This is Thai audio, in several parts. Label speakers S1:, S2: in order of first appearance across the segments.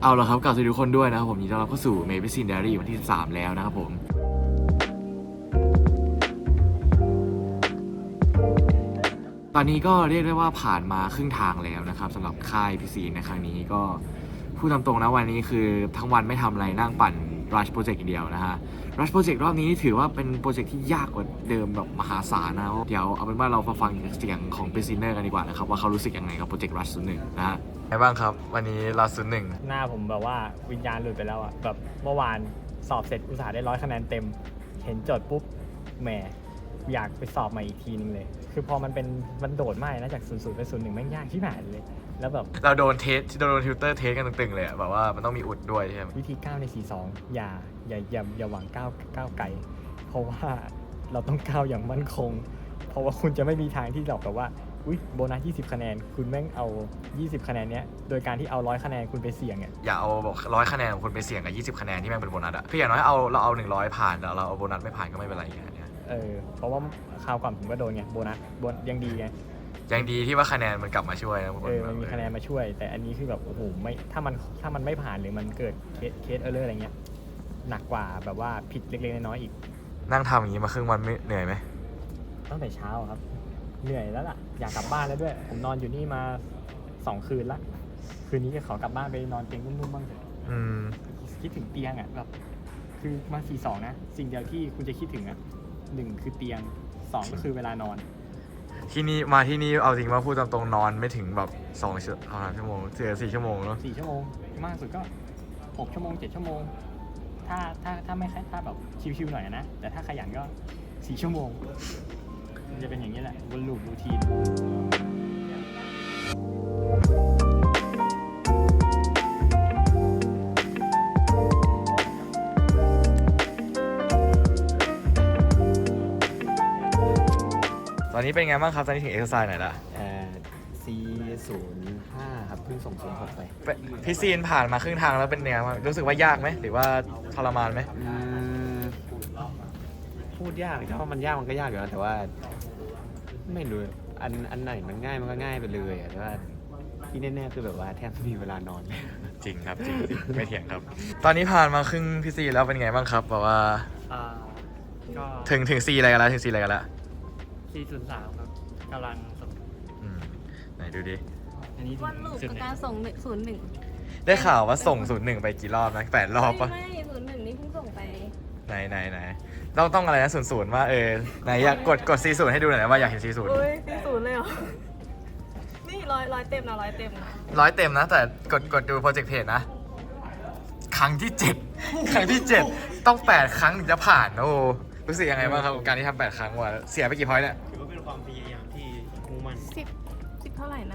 S1: เอาละครับกลับสวัสดีทุกคนด้วยนะครับผมยินดีต้อนรับเข้าสู่ Medicine Diary วันที่13แล้วนะครับผมตอนนี้ก็เรียกได้ว่าผ่านมาครึ่งทางแล้วนะครับสำหรับค่าย PC ในครั้งนี้ก็พูดตามตรงนะวันนี้คือทั้งวันไม่ทำอะไรนั่งปั่น Rush Project อย่างเดียวนะฮะ Rush Project รอบนี้ถือว่าเป็นโปรเจกต์ที่ยากกว่าเดิมแบบมหาศาลนะเดี๋ยวเอาเป็นว่าเราฟังเสียงของ Prisoner กันดีกว่านะครับว่าเขารู้สึกยังไงกับโปรเจกต์ Rush 01นะฮะไงบ้างครับวันนี้ Rush 01
S2: หน้าผมแบบว่าวิญญาณหลุดไปแล้วอะแบบเมื่อวานสอบเสร็จอุตส่าห์ได้100 คะแนนเต็มเห็นโจทย์ปุ๊บแหมอยากไปสอบใหม่อีกทีนึงเลยคือพอมันโดดมากนะจาก00ไป01แม่งยากที่ไหนเลยแล้วแบบ
S1: เราโดนทิวเตอร์เทสกันตึงๆเลยอะแบบว่ามันต้องมีอุดด้วยใช่ไหม
S2: วิธีก้าวใน42อย่าหวังก้าวไกลเพราะว่าเราต้องก้าวอย่างมั่นคงเพราะว่าคุณจะไม่มีทางที่แบบว่าอุ๊ยโบนัส20 คะแนนคุณแม่งเอา20 คะแนนเนี้ยโดยการที่เอา100 คะแนนคุณไปเสี่ยงเนี่ย
S1: อย่าเอาบอก100 คะแนนของคุณไปเสี่ยงกับ20 คะแนนที่แม่งเป็นโบนัสอะคืออย่างน้อยเราเอา100ผ่านแต่เราเอาโบนัสไม่ผ่านก็ไม่เป็นไรอย่างเงี้ย
S2: เพราะว่าคราวก่อนผมก็โดนไงโบนัสยังดีไง
S1: ยังดีที่ว่าคะแนนมันกลับมาช่วยนะ
S2: มันมีคะแนนมาช่วยแต่อันนี้คือแบบโอ้โหไม่ถ้ามันไม่ผ่านหรือมันเกิดเคสอะไรเงี้ยหนักกว่าแบบว่าผิดเล็กๆน้อยๆอีก
S1: นั่งทำอย่างนี้มาครึ่งวันไม่เหนื่อยไหม
S2: ตั้งแต่เช้าครับเหนื่อยแล้วล่ะอยากกลับบ้านแล้วด้วยผมนอนอยู่นี่มา2 คืนละคืนนี้จะขอกลับบ้านไปนอนเตียงนุ่มๆบ้างเถอะคิดถึงเตียงอ่ะแบบคือมา42นะสิ่งเดียวที่คุณจะคิดถึงอ่ะ1คือเตียง2ก็คือเวลานอน
S1: ที่นี่เอาจริงว่าพูดตามตรงนอนไม่ถึงแบบ2 ชั่วโมง4 ชั่วโมงเนาะ
S2: 4 ชั่วโมงมากสุดก็6 ชั่วโมง7 ชั่วโมงถ้าไม่ถ้าแบบชิวๆหน่อยนะแต่ถ้าขยันก็4 ชั่วโมงมันจะเป็นอย่างนี้แหละวนลูปรูทีน
S1: ตอนนี้เป็นไงบ้างครับตอนนี้ถึงเอ็กซ์ไซส์ไหนละ
S2: C05 ครับเพิ่งส่ง06ไป
S1: พี่ซีนผ่านมาครึ่งทางแล้วเป็นไงบ้างรู้สึกว่ายากไหมหรือว่าทรมานไหม
S3: พูดยากถ้ามันยากมันก็ยากอยู่แล้วแต่ว่าไม่รู้อันไหนมันง่ายมันก็ง่ายไปเลยแต่ว่าที่แน่ๆคือแบบว่าแทบไม่มีเวลานอน
S1: จริงครับจริงไม่เถียงครับตอนนี้ผ่านมาครึ่งพี่ซีแล้วเป็นไงบ้างครับแบบว่า
S2: ก็
S1: ถึงซีอะไรกันแล้วถึงซีอะไรกันแล้ว
S2: C03ครับกำลังส่ง
S1: ไหนดูดิ
S2: อันนี้
S4: วันลูปกับการส่ง01
S1: ได้ข่าวว่าส่ง01ไปกี่รอบนะ8 รอบปะ
S4: ไม่01นี่เพิ่งส่งไป
S1: ไหนต้องอะไรนะ00ว่าไหนอยากกด40ให้ดูหน่อยนะว่าอยากเห็น40
S4: อุ้ย40เลยเหรอนี่ร้อยเต็มนะ100 เต็มนะ
S1: 100 เต็มนะแต่กดดูโปรเจกต์เพจนะครั้งที่7ครั้งที่7ต้อง8 ครั้งถึงจะผ่านโอ้รู้สึกยังไงบ้างครับกับการที่ทำ8 ครั้งวะเสียไปกี่พอยต์เนี่ย
S3: ถือว่าเป็นความพยายามที่มุ่งมั่น
S4: 10เท่าไหร่นะ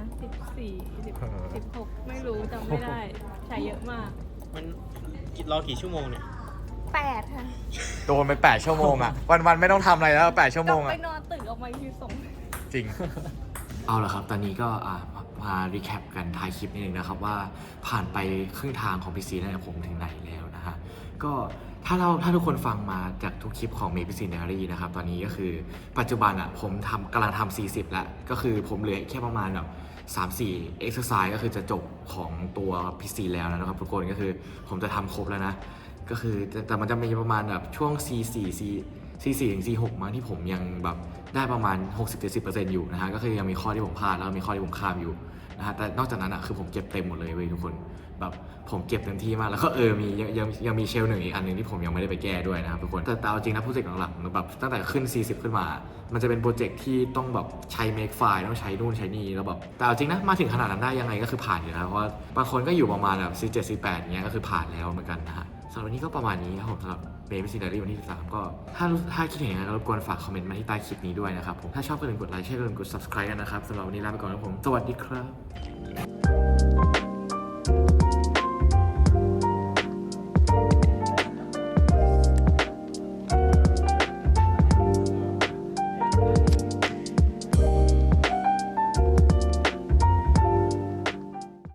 S4: 16ไม่รู้จำไม่ได้ใช้เยอะมาก
S3: มันรอกี่ชั่วโมงเนี่ย
S4: 8ค่ะ
S1: โดนไป8 ชั่วโมงอ่ะวันไม่ต้องทำอะไรแล้ว8 ชั่วโมงอ่ะ
S4: ไปนอนตื่นออกมาคือส่ง
S1: จริงเอาละครับตอนนี้ก็มารีแคปกันท้ายคลิปนิดนึงนะครับว่าผ่านไปครึ่งทางของ PC แล้วผมถึงไหนแล้วนะฮะก็ถ้าทุกคนฟังมาจากทุกคลิปของ Medicine Diary นะครับตอนนี้ก็คือปัจจุบันผมกำลังทำ40แล้วก็คือผมเหลือแค่ประมาณแบบ3-4 exercise ก็คือจะจบของตัว PC แล้วนะครับทุกคนก็คือผมจะทำครบแล้วนะก็คือแต่มันจะมีประมาณแบบช่วง C4 ถึง C6 มั้งที่ผมยังแบบได้ประมาณ 60-70% อยู่นะฮะก็คือยังมีข้อที่ผมพลาดแล้วมีข้อที่ผมข้ามอยู่นะฮะแต่นอกจากนั้นคือผมเก็บเต็มหมดเลยเว้ยทุกคนแบบผมเก็บเต็มที่มากแล้วก็มียังมีเชล1อีกอันนึงที่ผมยังไม่ได้ไปแก้ด้วยนะครับทุกคนแต่เอาจริงนะโปรเจกต์หลักๆแบบตั้งแต่ขึ้น40ขึ้นมามันจะเป็นโปรเจกต์ที่ต้องแบบใช้ make file ต้องใช้นู่นใช้นี่แล้วแบบแต่เอาจริงนะมาถึงขนาดนั้นได้ยังไงก็คือผ่านอยู่แล้วเพราะว่าบางคนก็อยู่ประมาณแบบ C7 C8 อย่างเงี้ยก็คือผ่านแล้วเหมือนกันนะฮะสำหรับวันนี้ก็ประมาณนี้ครับผมสำหรับ Medicine Diary วันที่13ก็ถ้าคิดเห็นยังไงก็รบกวนฝากคอมเมนต์มาที่ใต้คลิปนี้ด้วยนะครับผมถ้าชอบก็อย่าลืมกดไลค์ใช่ก็อย่าลืมกด subscribe กันนะครับสำหรับวันนี้ลาไปก่อนครับผมสวัสดีครับ